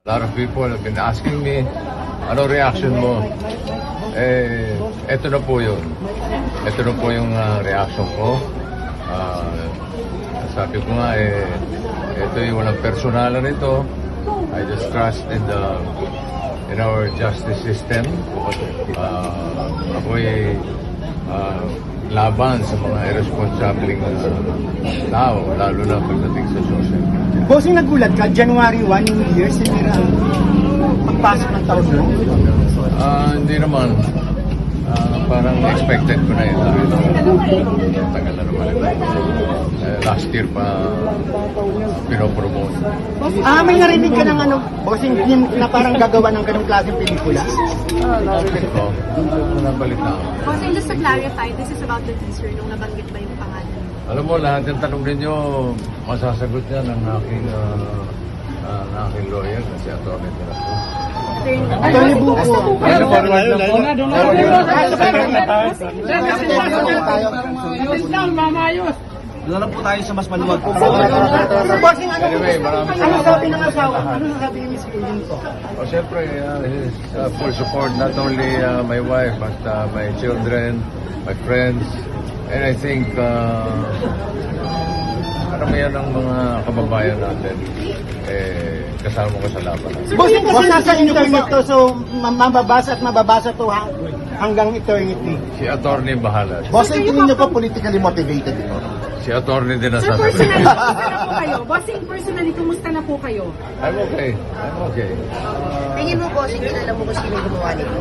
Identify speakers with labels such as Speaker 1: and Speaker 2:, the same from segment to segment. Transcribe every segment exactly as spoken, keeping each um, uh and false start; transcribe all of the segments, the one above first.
Speaker 1: A lot of people have been asking me, ano reaction mo? Eh, eto na po yun. Ito na po yung uh, reaction ko. Uh, sabi ko nga, eh, ito yung walang personalan nito. I just trust in the in our justice system. Uh, ako'y uh, laban sa mga irresponsibleng uh, tao, lalo na pagdating sa social media.
Speaker 2: Bossing, nagulat ka, January first, New Year, sinira ang pagpasok ng taon mo?
Speaker 1: Ah, hindi naman. Ah, parang expected ko na yun dahil uh, tagal na naman ito. Eh, last year pa pinopromote.
Speaker 2: Ah, may narinig ka ng ano, bossing, yun na parang gagawa ng ganong klaseng pelikula?
Speaker 1: Bakit ko? Nabalita ako.
Speaker 3: Bossing, just to clarify, this is about the teaser nung nabanggit ba yung pangalan?
Speaker 1: Alam mo, lahat yung tanong ninyo, masasagot yan ng aking, uh, uh, ng aking lawyer kasi attorney de la Cruz.
Speaker 2: Attorney Buko.
Speaker 1: Ano pa rin
Speaker 4: Doon lang po tayo sa mas maluwag.
Speaker 2: Bossing, ano,
Speaker 1: Anyway, maraming
Speaker 2: ano
Speaker 1: salamat.
Speaker 2: sabi ng asawa? Ano sabi ni Miss Kuyin ko?
Speaker 1: Oh, siyempre, uh, his uh, full support, not only uh, my wife, but uh, my children, my friends, and I think uh, karamihan ng mga kababayan natin eh, kasama ko sa laban.
Speaker 2: Bossing, kasi nasa internet to, so ma- mababasa at mababasa to ha, hanggang eternity.
Speaker 1: Si attorney bahala.
Speaker 4: Bossing, tingin niyo po politically motivated ito?
Speaker 1: Si attorney din ang
Speaker 3: Sir,
Speaker 1: sasagot.
Speaker 3: personally, kumusta na po kayo? Bossing, personally, kumusta na po kayo?
Speaker 1: I'm okay. I'm okay.
Speaker 5: Tingin mo, bossing, kilala mo kung sino gumawa nito?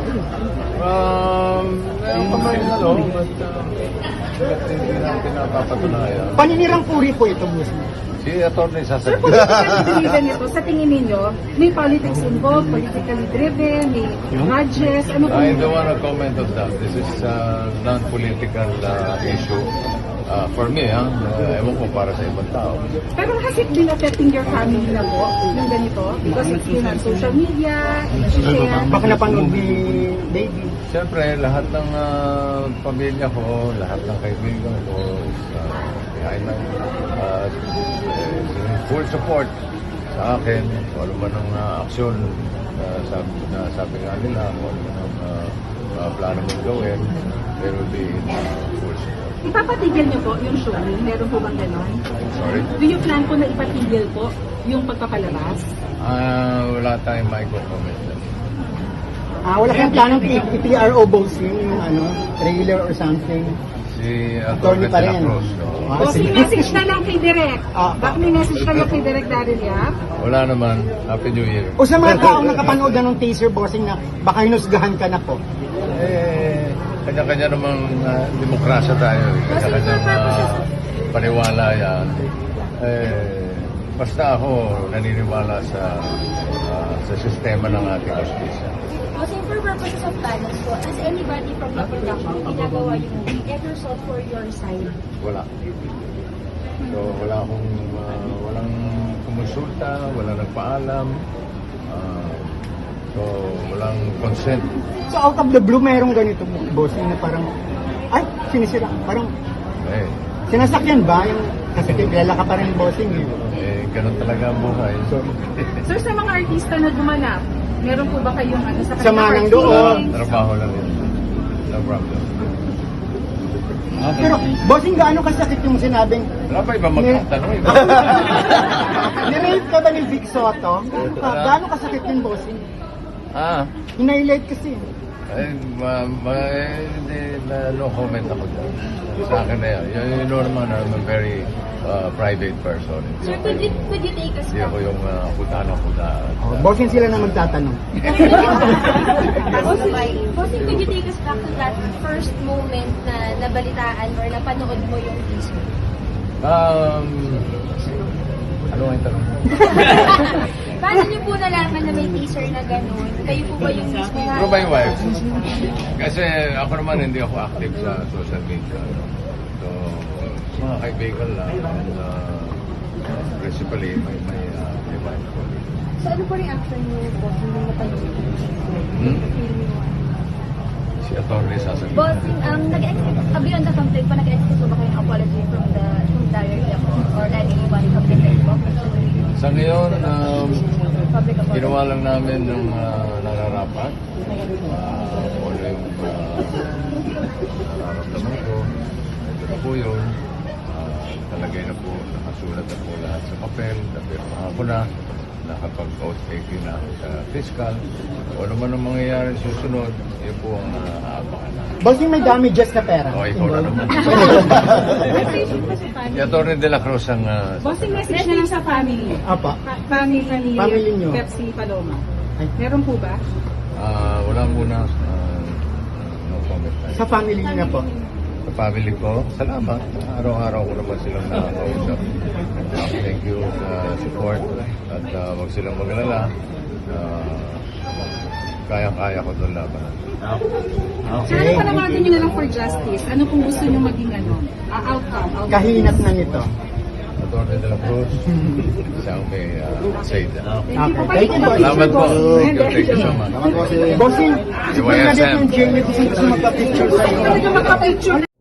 Speaker 1: Um, meron pa man ano, but uh, hindi natin napapatunayan.
Speaker 2: Paninirang puri po ito, bossing.
Speaker 1: Si attorney
Speaker 3: Sir,
Speaker 1: sasagot.
Speaker 3: politically driven ito, sa tingin ninyo, may politics involved, politically driven, may grudges, ano po?
Speaker 1: I don't want to comment on that. This is a non-political uh, issue. Uh, for me, ha, uh, ewan ko para sa ibang tao.
Speaker 3: Pero has it been affecting your family na po, yung ganito? Because it's been on social media, share.
Speaker 2: Baka napanood ni baby.
Speaker 1: Siyempre, lahat ng uh, pamilya ko, lahat ng kaibigan ko is uh, behind my uh, eh, full support sa akin. Kung ano man ang uh, aksyon uh, sabi, na sabi nga nila, kung ano man ang uh, uh, plano mong gawin, there will be uh, full support.
Speaker 3: Ipapatigil niyo po yung showing? Meron po bang ganon?
Speaker 1: Sorry?
Speaker 3: Do you plan po na ipatigil po yung pagpapalabas?
Speaker 1: Ah, wala tayong micro-comment.
Speaker 2: Ah, wala kang planong i-P R O bossing, yung ano, trailer or something.
Speaker 1: Si
Speaker 2: Attorney
Speaker 1: Atty.
Speaker 2: pa
Speaker 1: de la
Speaker 2: rin.
Speaker 1: Cruz. no?
Speaker 2: Ah,
Speaker 3: O
Speaker 2: sige.
Speaker 3: message na lang kay Direk.
Speaker 2: Ah.
Speaker 3: Baka may message na lang kay Direk Daryl Yap.
Speaker 1: Wala naman. Happy New Year.
Speaker 2: O sa mga taong nakapanood na ng teaser, bossing, na baka hinusgahan ka na po.
Speaker 1: Eh, kanya-kanya namang uh, demokrasya tayo. eh. Kanya-kanyang uh, paniwala yan. Eh, basta ako naniniwala sa uh, sa sistema ng ating justisya.
Speaker 6: Kasi for purposes of balance po, as anybody from the production, ginagawa yung movie, ever sought for your side?
Speaker 1: Wala. So, wala akong, uh, walang kumonsulta, walang nagpaalam. Uh, so, walang consent.
Speaker 2: So out of the blue, merong ganito, bossing, na parang, ay, sinisira, parang,
Speaker 1: Eh,
Speaker 2: sinasakyan ba? Yung, kasi kilala ka pa rin, bossing. Eh.
Speaker 1: eh, ganun talaga ang buhay. So,
Speaker 3: Sir, sa mga artista na gumanap, meron po ba kayong ano sa
Speaker 2: Sama ng
Speaker 3: kanilang
Speaker 2: loob.
Speaker 3: feelings?
Speaker 1: trabaho lang yun. No problem.
Speaker 2: Pero, bossing, gaano kasakit yung sinabing,
Speaker 1: Wala pa iba magtatanong. Iba.
Speaker 2: nirate ka ba ni Vic Soto? Ah, gaano kasakit yung bossing?
Speaker 1: ah,
Speaker 2: Hinailate kasi.
Speaker 1: eh, ma, ma, eh, hindi, na, no comment ako dyan. Sa akin na yan. You, you know naman, I'm a very uh, private person.
Speaker 6: Sir, could you, could you take us
Speaker 1: Hindi ako yung uh, kutaan ng kutaan.
Speaker 2: Oh, bossing sila na magtatanong.
Speaker 6: Bossing, could you take us back to that first moment na nabalitaan or napanood mo yung teaser?
Speaker 1: Um, ano ang tanong?
Speaker 6: Paano niyo po nalaman na may teaser na gano'n? Kayo po ba yung mismo na...
Speaker 1: Through my wife. Kasi ako naman hindi ako active sa social media. So, mga kaibigan lang. And, uh, principally, my, my, uh, my wife.
Speaker 6: So ano po reaction niyo po nung napanood yung teaser?
Speaker 1: Hmm? Si attorney sasagot.
Speaker 6: Bossing, um, nag-expect, uh, beyond the conflict po, nag-expect po ba kayong apology from the from directly ako or anyone from the po?
Speaker 1: Sa ngayon, um,
Speaker 6: public apology?
Speaker 1: Ginawa lang namin ng uh, nararapat. Uh, kung ano yung uh, nararamdaman ko. Ito na po yun. Uh, talagay na po, nakasulat na po lahat sa papel. Napirmahan ko na. Nakapag-oath taking na ako sa fiscal. Kung ano man ang mangyayari susunod, yun po ang uh, aabangan na.
Speaker 2: Bossing, may damages na pera.
Speaker 1: O, ikaw na naman.
Speaker 6: Message po sa family.
Speaker 1: Si Atty. De La Cruz ang... Uh,
Speaker 3: Bossing, message na lang sa family.
Speaker 2: Apa.
Speaker 3: Pa- family ni
Speaker 2: Family nyo.
Speaker 3: Pepsi Paloma.
Speaker 2: Ay.
Speaker 3: Meron po ba?
Speaker 1: uh, wala muna. Uh, no comment.
Speaker 2: Sa family niyo na po.
Speaker 1: Sa family ko, salamat. Araw-araw ko naman silang nakakausap. Uh, thank you sa support. At uh, wag silang magalala. Uh, kaya-kaya ko doon laban.
Speaker 3: Sir, ano panawagan nyo na lang for justice? Ano kung gusto nyo maging ano? Uh, outcome? outcome?
Speaker 2: Kahinat na nito.
Speaker 1: Atty. De La Cruz, siyang may uh, say na.
Speaker 3: Thank you po.
Speaker 2: Okay, thank you, boss.
Speaker 1: Salamat po. Thank you, thank you so much.
Speaker 2: Bossing, si
Speaker 1: Y S M.
Speaker 2: Bernadette ng Jamie gusto gusto magpa-picture sa'yo.
Speaker 3: Talaga magpa-picture